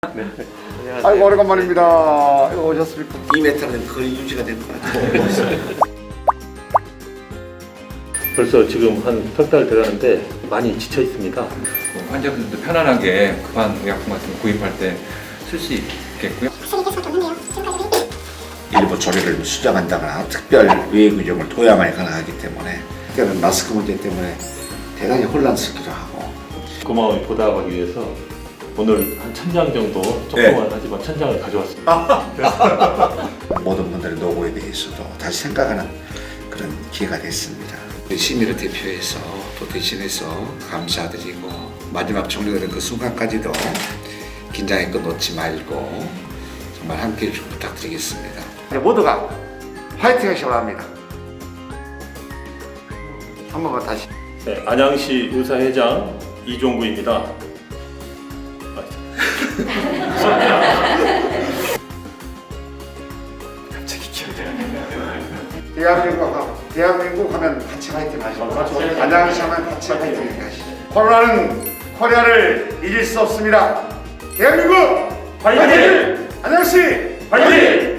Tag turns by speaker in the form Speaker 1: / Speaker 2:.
Speaker 1: 네.
Speaker 2: 아이고 오래간만입니다. 이거 오셨습니까?
Speaker 3: 2m는 거의 유지가 될 것 같아요.
Speaker 1: 벌써 지금 한 석 달 돼가는데 많이 지쳐 있습니다.
Speaker 4: 환자분들도 편안하게 급한 의약품 같은 거 구입할 때 쓸 수 있겠고요.
Speaker 3: 일부 조리를 수정한다거나 특별 외의 규정을 도야만이 가능하기 때문에 그때는 마스크 문제 때문에 대단히 혼란스럽기도 하고
Speaker 1: 고마움이 보답하기 위해서 오늘 한 1000장 정도 조그만 하지만 1000장을 가져왔습니다.
Speaker 3: 모든 분들의 노고에 대해서도 다시 생각하는 그런 기회가 됐습니다. 시민을 대표해서 또 대신해서 감사드리고 마지막 종료가 된 그 순간까지도 긴장의 끈 놓지 말고 정말 함께해 주시고 부탁드리겠습니다.
Speaker 2: 이제 모두가 화이팅 하시기 바랍니다. 한 번만 다시.
Speaker 1: 네, 안양시 의사회장 이종구입니다. 갑자기 기억이 안 나요.
Speaker 2: 대한민국 하면 같이 화이팅 하시고 안양시 하면 같이 화이팅 하시죠. 코로나는 코리아를 이길 수 없습니다. 대한민국 화이팅! 안양시 화이팅!